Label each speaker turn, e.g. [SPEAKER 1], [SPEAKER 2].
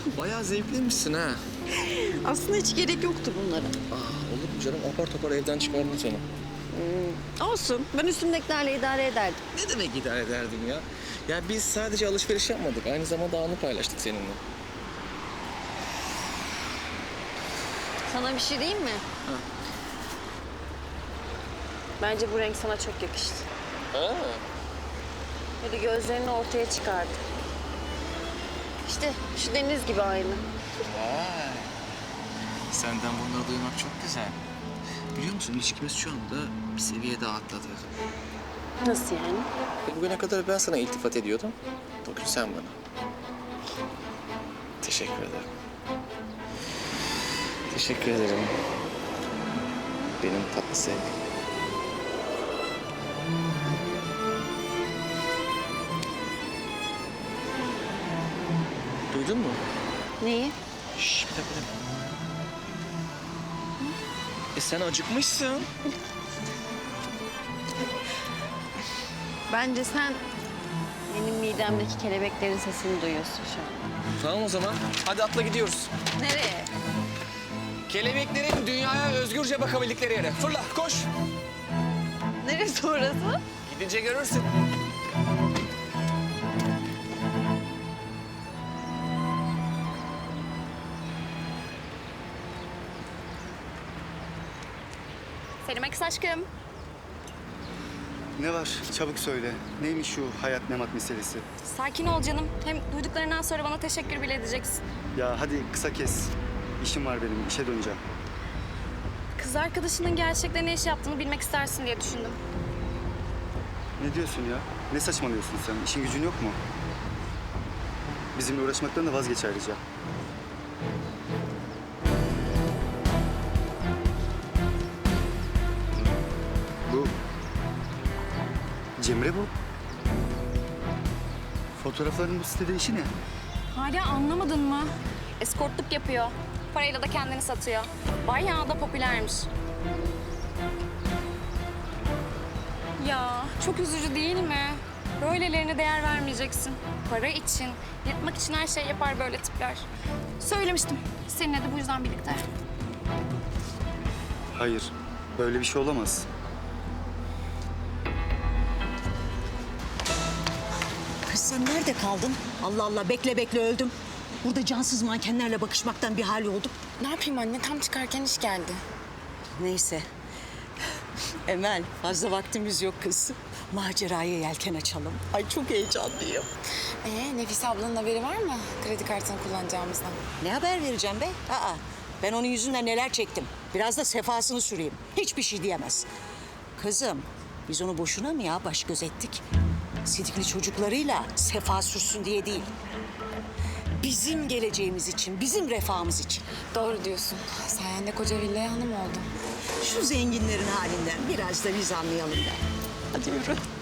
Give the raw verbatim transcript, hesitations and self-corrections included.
[SPEAKER 1] Bayağı zevkliymişsin ha.
[SPEAKER 2] Aslında hiç gerek yoktu bunlara.
[SPEAKER 1] Aa, olur mu canım? Apar topar evden çıkardın seni.
[SPEAKER 2] Olsun. Ben üstümdekilerle idare ederdim.
[SPEAKER 1] Ne demek idare ederdim ya? Ya biz sadece alışveriş yapmadık. Aynı zamanda anı paylaştık seninle.
[SPEAKER 2] Sana bir şey diyeyim mi?
[SPEAKER 1] Ha.
[SPEAKER 2] Bence bu renk sana çok yakıştı.
[SPEAKER 1] Ha.
[SPEAKER 2] Böyle gözlerini ortaya çıkardı. İşte şu deniz gibi aynı.
[SPEAKER 1] Vay. Senden bunları duymak çok güzel. Biliyor musun ilişkimiz şu anda bir seviye daha atladı.
[SPEAKER 2] Nasıl yani?
[SPEAKER 1] E, bugüne kadar ben sana iltifat ediyordum. Bugün sen bana. Teşekkür ederim. Teşekkür ederim. Benim tatlı sevgilim. Duydun mu?
[SPEAKER 2] Neyi?
[SPEAKER 1] Şş, bir dakika, bir dakika. E sen acıkmışsın.
[SPEAKER 2] Bence sen benim midemdeki kelebeklerin sesini duyuyorsun şu an.
[SPEAKER 1] Tamam o zaman. Hadi atla gidiyoruz.
[SPEAKER 2] Nereye?
[SPEAKER 1] Kelebeklerin dünyaya özgürce bakabildikleri yere. Fırla, koş.
[SPEAKER 2] Neresi orası?
[SPEAKER 1] Gidince görürsün.
[SPEAKER 3] Selim Akis aşkım.
[SPEAKER 4] Ne var? Çabuk söyle. Neymiş şu hayat memat meselesi?
[SPEAKER 3] Sakin ol canım. Hem duyduklarından sonra bana teşekkür bile edeceksin.
[SPEAKER 4] Ya hadi kısa kes. İşim var benim. İşe döneceğim.
[SPEAKER 3] Kız arkadaşının gerçekten ne iş yaptığını bilmek istersin diye düşündüm.
[SPEAKER 4] Ne diyorsun ya? Ne saçmalıyorsun sen? İşin gücün yok mu? Bizimle uğraşmaktan da vazgeç ayrıca. Bu... Cemre bu. Fotoğrafların bu sitede işi ne?
[SPEAKER 3] Hala anlamadın mı? Eskortluk yapıyor. Parayla da kendini satıyor. Bayağı da popülermiş. Ya çok üzücü değil mi? Böylelerine değer vermeyeceksin. Para için, yırtmak için her şey yapar böyle tipler. Söylemiştim. Seninle de bu yüzden birlikte.
[SPEAKER 4] Hayır. Böyle bir şey olamaz.
[SPEAKER 5] Kız sen nerede kaldın? Allah Allah bekle bekle öldüm. Burada cansız mankenlerle bakışmaktan bir hal oldum.
[SPEAKER 6] Ne yapayım anne? Tam çıkarken iş geldi.
[SPEAKER 5] Neyse. Emel fazla vaktimiz yok kız. Maceraya yelken açalım. Ay çok heyecanlıyım.
[SPEAKER 6] Ee, Nefise ablanın haberi var mı? Kredi kartını kullanacağımızdan.
[SPEAKER 5] Ne haber vereceğim be? Aa, ben onun yüzünden neler çektim. Biraz da sefasını süreyim. Hiçbir şey diyemez. Kızım biz onu boşuna mı ya baş göz ettik? Sidikli çocuklarıyla sefa sürsün diye değil. Bizim geleceğimiz için, bizim refahımız için.
[SPEAKER 6] Doğru diyorsun. Sayende koca villaya hanım oldum.
[SPEAKER 5] Şu zenginlerin halinden biraz da biz anlayalım da. Hadi yürü.